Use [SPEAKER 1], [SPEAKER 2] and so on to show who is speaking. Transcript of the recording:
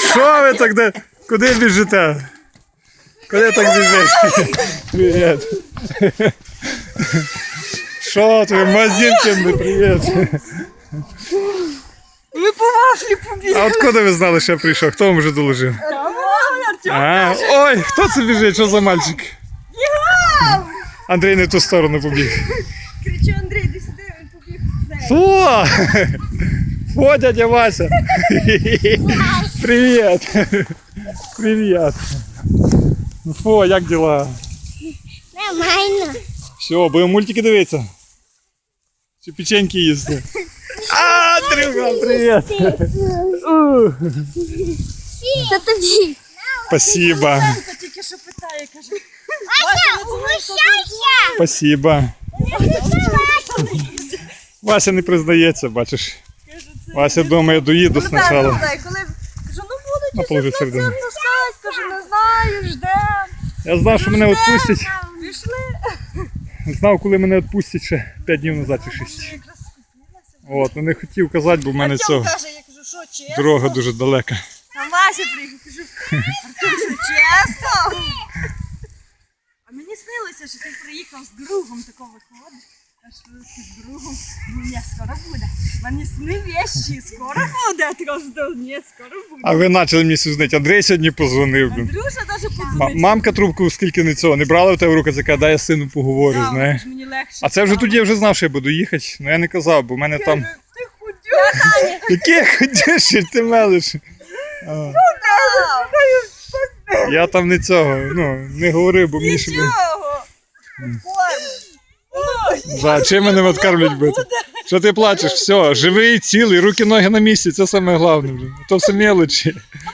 [SPEAKER 1] Що ви так де? Куди біжите? Куди так біжиш? Привіт. Що ти, Мазінкин, привіт.
[SPEAKER 2] Ви по вафлі побігли.
[SPEAKER 1] А откуда ви знали, що я прийшов? Хто вам вже доложив? А, ой, хто це біжить? Що за мальчик? Андрій не в ту сторону побіг.
[SPEAKER 2] Кричу, Андрій, іди сюди, він побіг.
[SPEAKER 1] Фу! Фу, дядя Вася! Привіт! Привіт! Ну фу, як діла?
[SPEAKER 3] Нормально.
[SPEAKER 1] Все, будемо мультики дивитися. Чи печеньки їсти? А, Андрюха, привіт!
[SPEAKER 3] Це тобі.
[SPEAKER 1] Спасибо,
[SPEAKER 2] Та тільки що питає, каже.
[SPEAKER 3] Вася, угощайся.
[SPEAKER 1] спасибо. Вася не признається, бачиш. Вася думає, доїду спочатку.
[SPEAKER 2] Коли кажу, ну
[SPEAKER 1] На
[SPEAKER 2] будуть
[SPEAKER 1] положи
[SPEAKER 2] ще
[SPEAKER 1] середину.
[SPEAKER 2] концерт пускати, кажу, не знаю, ждем.
[SPEAKER 1] Я знав, що мене відпустять.
[SPEAKER 2] Пішли.
[SPEAKER 1] Знав, коли мене відпустять ще 5 днів назад чи 6.
[SPEAKER 2] Якраз скупилася.
[SPEAKER 1] От, ну не хотів казати, бо в мене
[SPEAKER 2] Артем
[SPEAKER 1] цього
[SPEAKER 2] каже, я кажу, що чесно?
[SPEAKER 1] дорога дуже далека.
[SPEAKER 2] А Вася приїхав, кажу, Артем, що чесно? А мені снилося, що ти приїхав з другом, такого виходиш. Аж ти з другом, ні, скоро буде. Мені сни вещі, скоро буде. Я кажу, ні, скоро буде.
[SPEAKER 1] А ви почали мені сузнити. Андрій сьогодні позвонив. блін.
[SPEAKER 2] Андрюша навіть подзвонив.
[SPEAKER 1] Мамка трубку скільки не цього, не брала в тебе в руки, така, дай я з сином поговорю,
[SPEAKER 2] Да,
[SPEAKER 1] знаєш.
[SPEAKER 2] мені легше.
[SPEAKER 1] А це вже тоді я вже знав, що я буду їхати. Ну я не казав, бо в мене там.
[SPEAKER 2] Ти худюка.
[SPEAKER 1] Яке ходиш, ти мелиш? А, я там не цього, ну, не говорив, бо мені ще.
[SPEAKER 2] Нічого.
[SPEAKER 1] Да, чим мене відкармлять бити? Що ти плачеш? Все, живий, цілий, руки, ноги на місці, це саме головне вже. То все мелочі.